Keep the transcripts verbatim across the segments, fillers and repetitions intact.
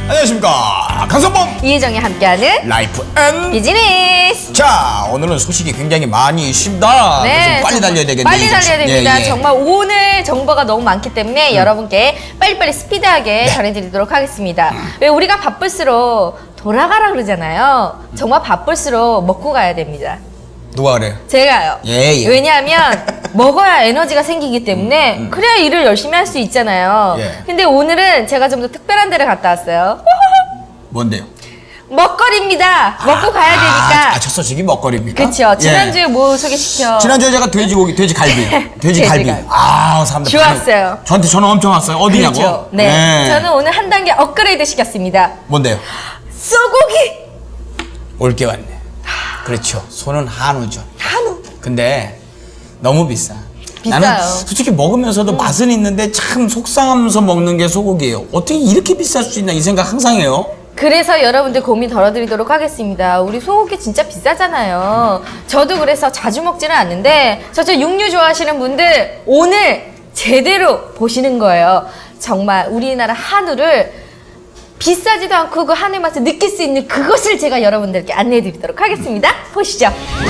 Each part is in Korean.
안녕하십니까, 강성범 이혜정이 함께하는 라이프 앤 비즈니스. 자, 오늘은 소식이 굉장히 많이 있습니다. 네, 빨리 달려야 되겠네요. 빨리 달려야 됩니다. 예, 예. 정말 오늘 정보가 너무 많기 때문에 음. 여러분께 빨리빨리 스피드하게 네. 전해드리도록 하겠습니다. 왜 우리가 바쁠수록 돌아가라 그러잖아요. 정말 바쁠수록 먹고 가야 됩니다. 누가 그래요? 제가요. 예, 예. 왜냐하면 먹어야 에너지가 생기기 때문에 음, 음. 그래야 일을 열심히 할 수 있잖아요. 예. 근데 오늘은 제가 좀 더 특별한 데를 갔다 왔어요. 뭔데요? 먹거리입니다. 먹고 가야 되니까. 아, 첫 소식이 먹거리입니까? 그렇죠. 지난주에 예. 뭐 소개시켜? 지난주에 제가 돼지고기, 돼지갈비, 돼지갈비. 돼지갈비. 아, 사람들 좋았어요. 반응, 저한테 전화 엄청 왔어요. 어디냐고? 그렇죠. 네. 네. 저는 오늘 한 단계 업그레이드 시켰습니다. 뭔데요? 쏘고기. 올게 왔네. 그렇죠. 소는 한우죠. 한우. 근데 너무 비싸. 비싸요. 나는 솔직히 먹으면서도 음. 맛은 있는데 참 속상하면서 먹는 게 소고기예요. 어떻게 이렇게 비쌀 수 있나 이 생각 항상 해요. 그래서 여러분들 고민 덜어드리도록 하겠습니다. 우리 소고기 진짜 비싸잖아요. 저도 그래서 자주 먹지는 않는데 저처럼 육류 좋아하시는 분들 오늘 제대로 보시는 거예요. 정말 우리나라 한우를 비싸지도 않고 그 한우의 맛을 느낄 수 있는 그것을 제가 여러분들께 안내해 드리도록 하겠습니다. 보시죠.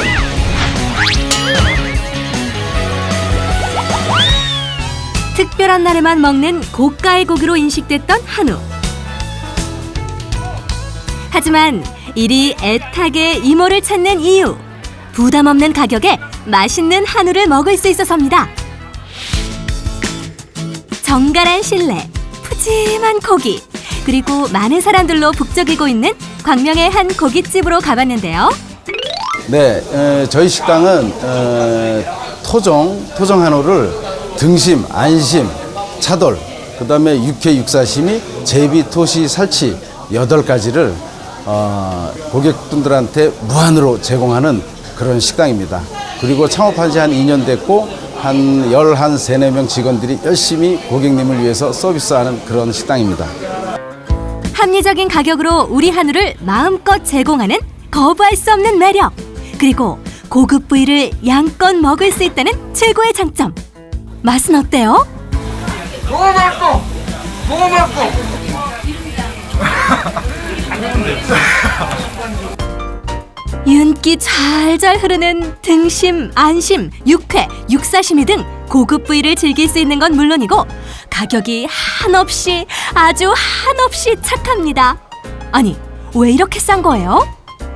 특별한 날에만 먹는 고가의 고기로 인식됐던 한우. 하지만 이리 애타게 이모를 찾는 이유, 부담 없는 가격에 맛있는 한우를 먹을 수 있어서입니다. 정갈한 실내, 푸짐한 고기, 그리고 많은 사람들로 북적이고 있는 광명의 한 고깃집으로 가봤는데요. 네, 에, 저희 식당은 에, 토종, 토종 한우를 등심, 안심, 차돌, 그 다음에 육회, 육사시미, 제비, 토시, 살치 여덟 가지를 어, 고객분들한테 무한으로 제공하는 그런 식당입니다. 그리고 창업한 지 한 이 년 됐고 한 열한 세네 명 직원들이 열심히 고객님을 위해서 서비스하는 그런 식당입니다. 합리적인 가격으로 우리 한우를 마음껏 제공하는 거부할 수 없는 매력, 그리고 고급 부위를 양껏 먹을 수 있다는 최고의 장점. 맛은 어때요? 너무 맛있어! 너무 맛있어! 윤기 잘잘 흐르는 등심, 안심, 육회, 육사시미 등 고급 부위를 즐길 수 있는 건 물론이고 가격이 한없이 아주 한없이 착합니다. 아니, 왜 이렇게 싼 거예요?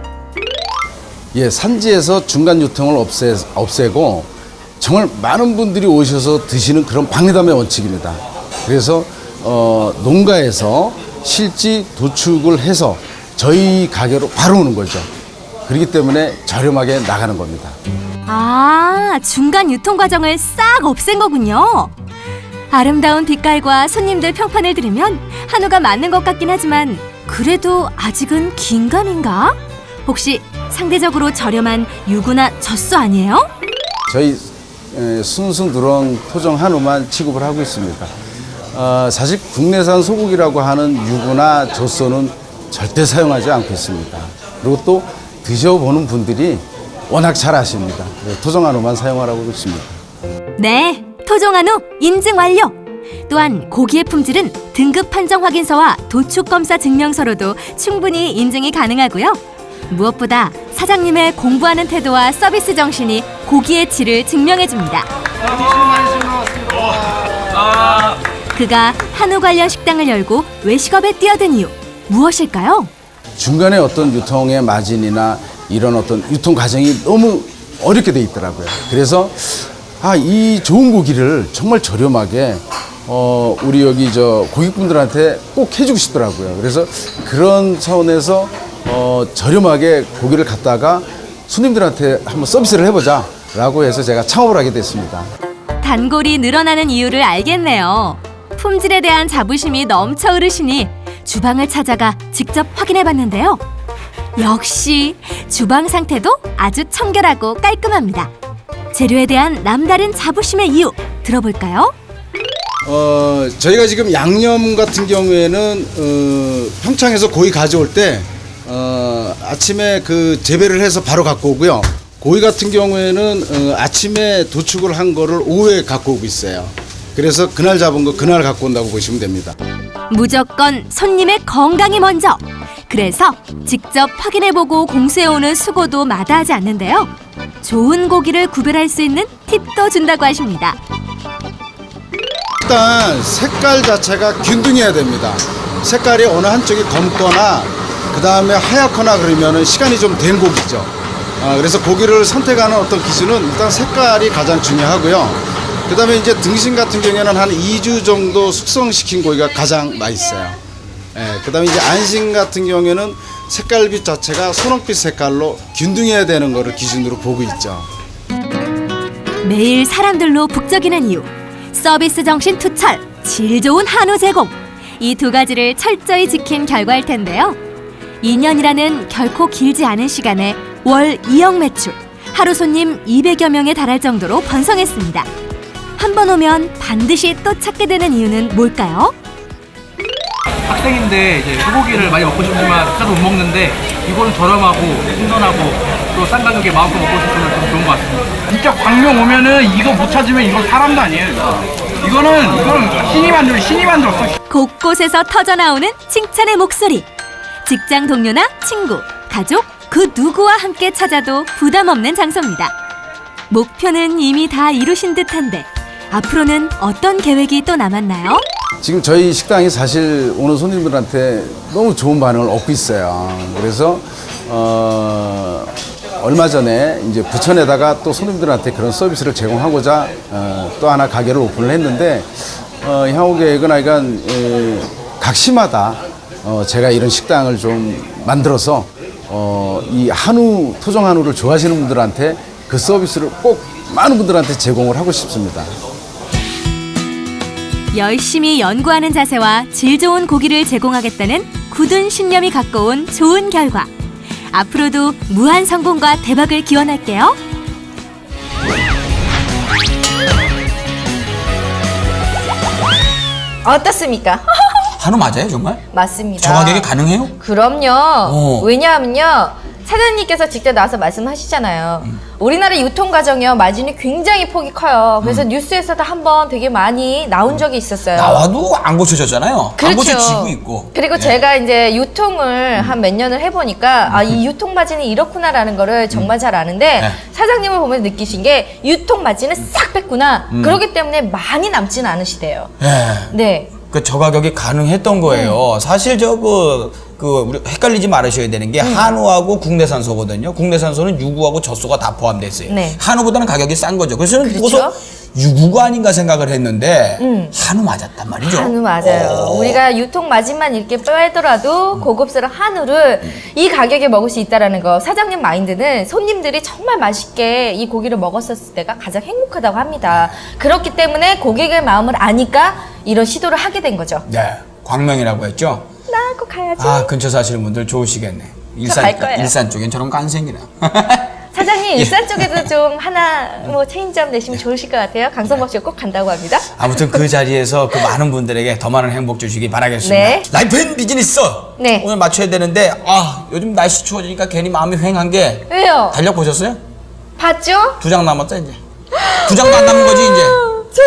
예, 산지에서 중간 유통을 없애, 없애고 정말 많은 분들이 오셔서 드시는 그런 박리담의 원칙입니다. 그래서 어, 농가에서 실지 도축을 해서 저희 가게로 바로 오는 거죠. 그렇기 때문에 저렴하게 나가는 겁니다. 아, 중간 유통 과정을 싹 없앤 거군요. 아름다운 빛깔과 손님들 평판을 들으면 한우가 맞는 것 같긴 하지만 그래도 아직은 긴가민가? 혹시 상대적으로 저렴한 유구나 젖소 아니에요? 저희 에, 순수 누런 토종 한우만 취급을 하고 있습니다. 어, 사실 국내산 소고기라고 하는 유구나 젖소는 절대 사용하지 않고 있습니다. 그리고 또 드셔보는 분들이 워낙 잘 아십니다. 토종 한우만 사용하라고 그러십니다. 네, 토종 한우 인증 완료! 또한 고기의 품질은 등급 판정 확인서와 도축 검사 증명서로도 충분히 인증이 가능하고요. 무엇보다 사장님의 공부하는 태도와 서비스 정신이 고기의 질을 증명해줍니다. 그가 한우 관련 식당을 열고 외식업에 뛰어든 이유 무엇일까요? 중간에 어떤 유통의 마진이나 이런 어떤 유통 과정이 너무 어렵게 돼 있더라고요. 그래서 아, 이 좋은 고기를 정말 저렴하게 어, 우리 여기 저 고객분들한테 꼭 해주고 싶더라고요. 그래서 그런 차원에서 어, 저렴하게 고기를 갖다가 손님들한테 한번 서비스를 해보자 라고 해서 제가 창업을 하게 됐습니다. 단골이 늘어나는 이유를 알겠네요. 품질에 대한 자부심이 넘쳐 흐르시니 주방을 찾아가 직접 확인해봤는데요. 역시 주방 상태도 아주 청결하고 깔끔합니다. 재료에 대한 남다른 자부심의 이유 들어볼까요? 어, 저희가 지금 양념 같은 경우에는 어, 평창에서 고기 가져올 때 어, 아침에 그 재배를 해서 바로 갖고 오고요. 고기 같은 경우에는 어, 아침에 도축을 한 거를 오후에 갖고 오고 있어요. 그래서 그날 잡은 거 그날 갖고 온다고 보시면 됩니다. 무조건 손님의 건강이 먼저. 그래서 직접 확인해보고 공수해오는 수고도 마다하지 않는데요. 좋은 고기를 구별할 수 있는 팁도 준다고 하십니다. 일단 색깔 자체가 균등해야 됩니다. 색깔이 어느 한쪽이 검거나 그 다음에 하얗거나 그러면은 시간이 좀 된 고기죠. 아, 그래서 고기를 선택하는 어떤 기준은 일단 색깔이 가장 중요하고요. 그 다음에 이제 등심 같은 경우에는 한 이 주 정도 숙성시킨 고기가 가장 맛있어요. 예, 그 다음에 이제 안심 같은 경우에는 색깔빛 자체가 소홍빛 색깔로 균등해야 되는 거를 기준으로 보고 있죠. 매일 사람들로 북적이는 이유. 서비스 정신 투철, 질 좋은 한우 제공. 이 두 가지를 철저히 지킨 결과일 텐데요. 이 년이라는 결코 길지 않은 시간에 월 이억 매출, 하루 손님 이백여 명에 달할 정도로 번성했습니다. 한 번 오면 반드시 또 찾게 되는 이유는 뭘까요? 학생인데 이제 소고기를 많이 먹고 싶지만 자주 못 먹는데 이거는 저렴하고 신선하고 또 싼 가격에 마음껏 먹고 싶으면 좀 좋은 것 같습니다. 진짜 광명 오면은 이거 못 찾으면 이건 사람도 아니에요. 이거는 이거는 신이 만들 신이 만들었어. 곳곳에서 터져나오는 칭찬의 목소리. 직장 동료나 친구, 가족 그 누구와 함께 찾아도 부담 없는 장소입니다. 목표는 이미 다 이루신 듯한데 앞으로는 어떤 계획이 또 남았나요? 지금 저희 식당이 사실 오는 손님들한테 너무 좋은 반응을 얻고 있어요. 그래서 어, 얼마 전에 이제 부천에다가 또 손님들한테 그런 서비스를 제공하고자 어, 또 하나 가게를 오픈을 했는데 어, 향후 계획은 하여간 에, 각 시마다 어, 제가 이런 식당을 좀 만들어서 어, 이 한우 토종 한우를 좋아하시는 분들한테 그 서비스를 꼭 많은 분들한테 제공을 하고 싶습니다. 열심히 연구하는 자세와 질 좋은 고기를 제공하겠다는 굳은 신념이 갖고 온 좋은 결과. 앞으로도 무한 성공과 대박을 기원할게요. 어떻습니까? 한우 맞아요, 정말? 맞습니다. 저 가격에 가능해요? 그럼요. 어. 왜냐하면요. 사장님께서 직접 나와서 말씀하시잖아요. 음. 우리나라 유통 과정이요. 마진이 굉장히 폭이 커요. 그래서 뉴스에서도 한번 되게 많이 나온 적이 있었어요. 나와도 안 고쳐졌잖아요. 안 그렇죠. 고쳐지고 있고. 그리고 네. 제가 이제 유통을 한 몇 년을 해보니까 아, 이 유통 마진이 이렇구나라는 거를 정말 잘 아는데 네. 사장님을 보면 느끼신 게 유통 마진을 싹 뺐구나. 그렇기 때문에 많이 남지는 않으시대요. 네. 네. 그 저 가격이 가능했던 거예요. 음. 사실 저그 그 우리 헷갈리지 말으셔야 되는 게 음. 한우하고 국내산소거든요. 국내산소는 유구하고 젖소가 다 포함돼 있어요. 네. 한우보다는 가격이 싼 거죠. 그래서 저는 그렇죠. 그것도 유구가 아닌가 생각을 했는데 음. 한우 맞았단 말이죠. 한우 맞아요. 오. 우리가 유통 마진만 이렇게 빼더라도 고급스러운 한우를 이 가격에 먹을 수 있다라는 거. 사장님 마인드는 손님들이 정말 맛있게 이 고기를 먹었었을 때가 가장 행복하다고 합니다. 그렇기 때문에 고객의 마음을 아니까 이런 시도를 하게 된 거죠. 네, 광명이라고 했죠. 나 꼭 가야지. 아 근처 사시는 분들 좋으시겠네. 일산 갈 거예요. 일산 쪽엔 저런 거 안 생기나. 사장님 일산 쪽에도 좀 하나 뭐 체인점 내시면 좋으실 것 같아요. 강성범 씨가 꼭 간다고 합니다. 아무튼 그 자리에서 그 많은 분들에게 더 많은 행복 주시기 바라겠습니다. 네. 라이프 앤 비즈니스 네. 오늘 맞춰야 되는데 아 요즘 날씨 추워지니까 괜히 마음이 휑한 게 왜요? 달력 보셨어요? 봤죠? 두 장 남았다 이제. 두 장도 안 남은 거지 이제. 저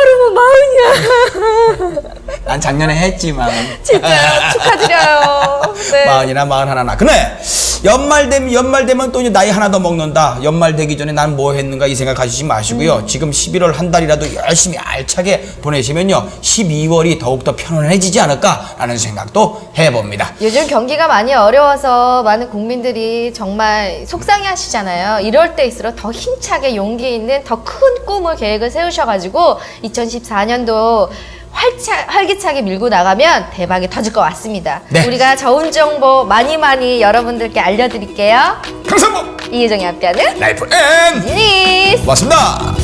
두 달이면 마흔이야. 난 작년에 했지만. 진짜 축하드려요. 네. 마흔이나 마흔 하나나. 근데 연말 되면 연말 되면 또 이제 나이 하나 더 먹는다. 연말 되기 전에 난 뭐 했는가 이 생각 가지지 마시고요. 음. 지금 십일월 한 달이라도 열심히 알차게 보내시면요. 십이월이 더욱더 편안해지지 않을까라는 생각도 해봅니다. 요즘 경기가 많이 어려워서 많은 국민들이 정말 속상해 하시잖아요. 이럴 때일수록 더 힘차게 용기 있는 더 큰 꿈을 계획을 세우셔가지고 이천십사 년도 활차, 활기차게 밀고 나가면 대박이 터질 것 같습니다. 네. 우리가 좋은 정보 많이 많이 여러분들께 알려드릴게요. 강성범 이혜정이 함께하는 라이프 앤 비즈니스. 고맙습니다.